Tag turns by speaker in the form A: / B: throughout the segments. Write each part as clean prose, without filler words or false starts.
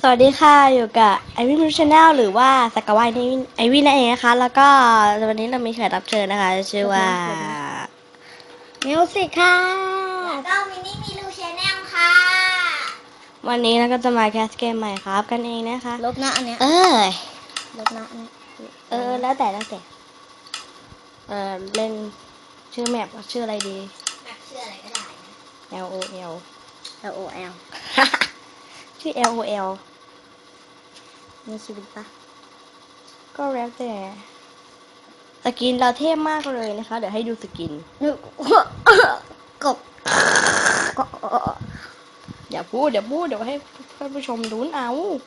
A: สวัสดีค่ะอยู่กับไอวินมูชแนลหรือว่าสกาวายนี่ไอวินนั่นเองนะคะแล้วก็วันนี้เรามีแขกรับเชิญนะคะชื่อว่ามิวสิกค่ะ
B: แล้วก็มินี่มีลูชแนลค่ะ
A: วันนี้เราก็จะมาแคสเกมใหม่ครับกันเองนะคะ
B: ลบนะอันเนี้ยลบนะอันเนี้ย
A: แล้วแต่เล่นชื่อแมปชื่ออะไรดี
B: แบบชื่ออะไรก็ได้นะ
A: L O L
B: LOL
A: ชื่อ L O L มีชีวิตปะก็แล้วแต่สกินเราเท่มากเลยนะคะเดี๋ยวให้ดูสกิน
B: นึกกบ
A: อย่าพูดเดี๋ยวให้ท่านผู้ชมดูเอา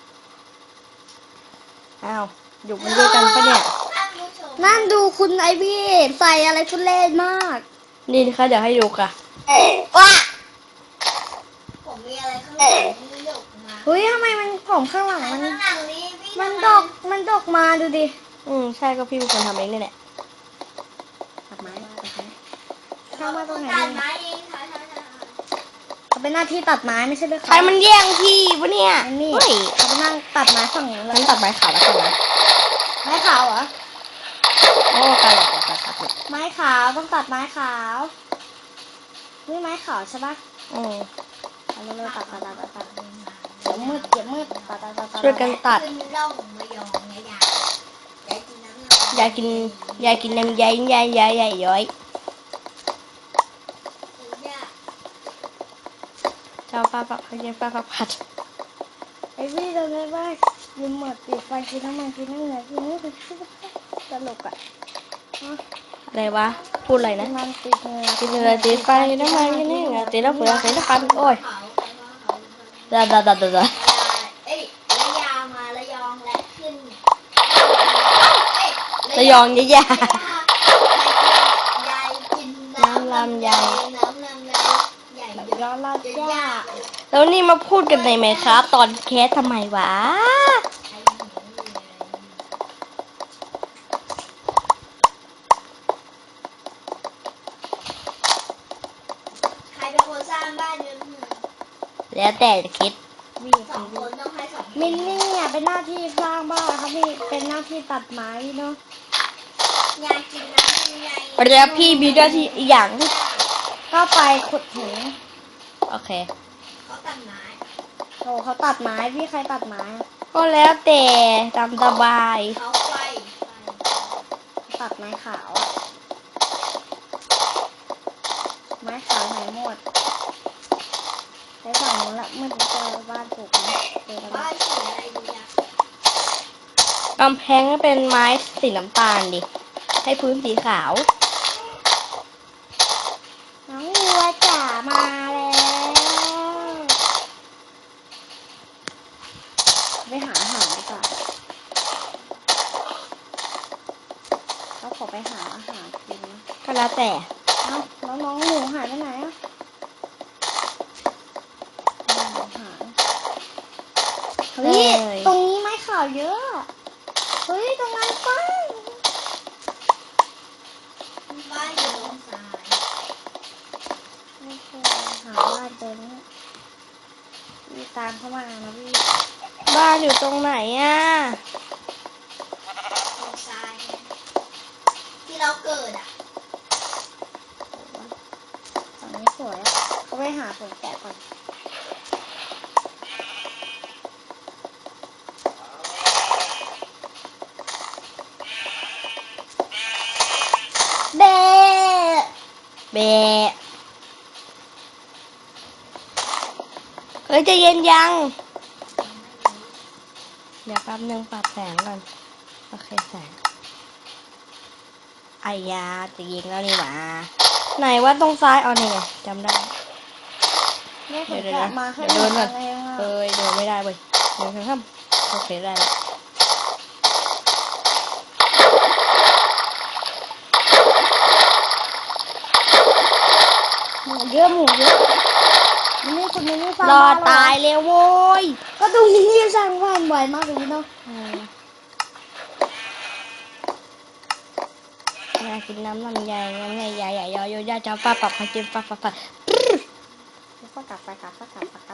A: อ้าวอยู่มันด้วยกันปะเนี่ย
B: นั่นดูคุณไอพี่ใส่อะไรทุเรศมาก
A: นี่นะคะเดี๋ยวให้ดูค่ะ
B: ว้าผมมีอะไรข้างหลังนี่ดกมาเฮ้ยทำไมมันผมข้างหลังมันดกมาดูดิ
A: ใช่ก็พี่เป็นคนทำเองนี่แหละ
B: ตัดไม้เข้ามาตรงไหนตัดไม้เองค่ะเขาเป็นหน้าที่ตัดไม้ไม่ใช่เลย
A: ใครมันแย่งพี่วะเนี่ย
B: นี่
A: เฮ้ย
B: เขาไปนั่งตัดไม้ฝั่งนู้น
A: ฉันตัดไม้ขาวแล้วกันนะ
B: ไม้ขาวเหรอ
A: โอ้การหลอกตัด
B: ไม้ขาวต้องตัดไม้ขาวนี่ไม้ขาวใช่ปะเอาเร็วๆตัดเดี๋ยวมืดตัด
A: ช่วยกันตัดอยากกินน้ำใยย้อยเจ้าป้าปักเขาเรียกป้าปักผัด
B: ไอ้พี่เราเลยว่ายืมหมดปิดไฟกินน้ำมันกินน้ำเหนือกินนี่คือตลกอ่ะ
A: อะไรวะพูดอะไรนะ
B: มันติดเหงื่อ
A: กินเนื้อตีไฟน้ำมันกินนี่ไงตีแล้วเปลือกตีแล้วฟันโอ้ยดา
B: เอ้ยระยองมาระยองและขึ้น
A: ระยองยาย
B: ายกิน
A: น้ำลำไย
B: น้ำลำไยใหญ่ย้อนลาดย่า
A: แล้วนี่มาพูดกันในไหมครับตอนแคสทำไมวะ
B: ใครเป็นคนสร้างบ้านเนี่ย
A: แล้วแต่จะคิด
B: สองคนต้องให้สองมินนี่อ่ะเป็นหน้าที่สร้างบ้านครับพี่เป็นหน้าที่ตัดไม้เนาะยายกินน้ำยาย
A: แล้วพี่มีหน้าที่อีกอย่าง
B: ก็ไปขุดหิน
A: โอเค
B: เขาตัดไม้โอ้เขาตัดไม้พี่ใครตัดไม้
A: ก็แล้วแต่ตามสบาย
B: เขาไปตัดไม้ขาวไม้ขาวไหนหมดไปฝั่งนู้นละมืดเจอบ้านปลูกนะเจอบ้านสีอะไรดีอะ
A: กำแพงก็เป็นไม้สีน้ำตาลดิให้พื้นสีขาว
B: น้องวัวจ๋ามาแล้วไปหาอาหารดีกว่าเขาขอไปหาอาหารกินนะ
A: ก็แล้วแต่
B: เอ้าแล้วน้องหมูหายไปไหนอ่ะเฮ้ยตรงนี้ไม้ขาวเยอะเฮ้ยตรงนั้นป้าบ้านอยู่ตรงซ้ายไม่เคยหาบ้านเจอเนี่ยพี่ตามเข้ามานะพี่
A: บ้านอยู่ตรงไหนอ่ะ
B: ตรงซ้ายที่เราเกิดอ่ะฝั่งนี้สวยอ่ะเขาไปหาผลแกะก่อนเบะ
A: แบะเฮ้ยใจะเย็นยัง เดี๋ยวแป๊บนึงปรับแสงก่อน โอเคแสงไอ้ยาจะยิงแล้วนี่หว่าไหนว่าตรงซ้ายเอานี่ไงจำได้
B: เนี่ยผ
A: เดี๋
B: ล
A: ยว
B: แกะ
A: นะ
B: มาแค่
A: เดี๋ยวเดินก่อน
B: เองอ่ะ
A: เดินไม่ได้เว้ยเดินข้ามโอเคได้แล้ว
B: หมูเยอะนี่คุณนี่ฟัง
A: รอตายเลยโว้ย
B: ก็ตรงนี้สร้างบ้านบ่อยมากเลยเนาะ
A: อยากกินน้ำลำไยใหญ่ใหญ่ยอยาจ้าป้าปับพากินป้า
B: ก็กลับไป